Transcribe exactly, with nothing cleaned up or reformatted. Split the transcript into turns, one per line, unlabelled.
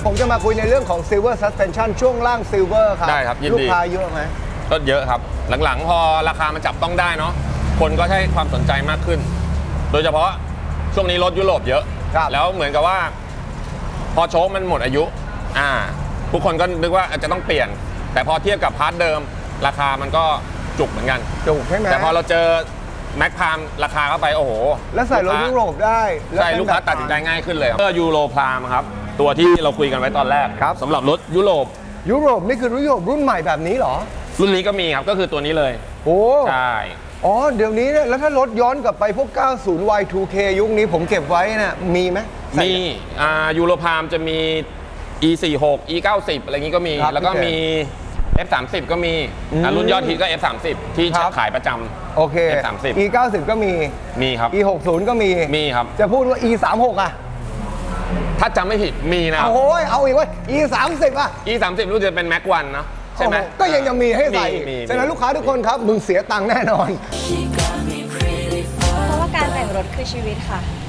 ผมจะมาคุยในเรื่องของ Silver Suspension ช่วงล่าง Silver ครับ
ได้ครับยินดี
ลูกค้าเยอะไหม
ก็เยอะครับหลังๆพอราคามันจับต้องได้เนาะคนก็ให้ความสนใจมากขึ้น โดยเฉพาะช่วงนี้รถยุโรปเยอะ
ครับ
แล้วเหมือนกับว่า พอโชคมันหมดอายุอ่าทุกคนก็นึกว่าอาจจะต้องเปลี่ยน แต่พอเทียบกับพาร์ทเดิม ราคามันก็จุกเหมือนกัน
จุกใช่ไหม
แต่พอเราเจอแม็กพามราคาเข้าไปโอ้โห
แล้วใส่รถยุโรปได้แล้ว
ใช่
เป็น
ลูกค้า
แบบ
ตัดสินใจง่ายขึ้นเลยครับเพื่อยูโรพามครับตัวที่เราคุยกันไว้ตอนแรก
ครับ
สำหรับรถยุโรป
ยุโรปนี่คือยุโรปรุ่นใหม่แบบนี้เหรอ
รุ่นนี้ก็มีครับก็คือตัวนี้เลย
โอ้
ใช่
อ๋อเดี๋ยวนี้เนี่ยแล้วถ้ารถย้อนกลับไปพวก เก้าสิบ วาย ทู เค ยุคนี้ผมเก็บไว้น่ะมีไหมใส่
มีอ่ายูโรพามจะมี อี สี่สิบหก อี เก้าสิบ อะไรงี้ก็มี
ครับ
แล้วก็
พี่เจ
มี เอฟ สามสิบ ก็มี
อืม
อ่ารุ่นยอดฮิตก็ เอฟ สามสิบ ที่
ครับ
ขายประจำ
โอเค
เอฟ สามสิบ
อี เก้าสิบ ก็มี
มีครับ
อี หกสิบ ก็มี
มีครับ
จะพูดว่า อี สามสิบหก อ่ะ
ถ้าจำไม่ผิดมีนะ
โอ้ยเอาอีกเว่า อี สามสิบ อ่ะ
อี สามสิบ รู้จะเป็นแม็กวันเนาะใช่ไหม
โอ้โก็ยังยังมีให้ใส่อีก
มี
ฉะนั้นลูกค้าทุกคนครับมึงเสียตังค์แน่นอน
เพราะว่าการแต่งรถคือชีวิตค่ะ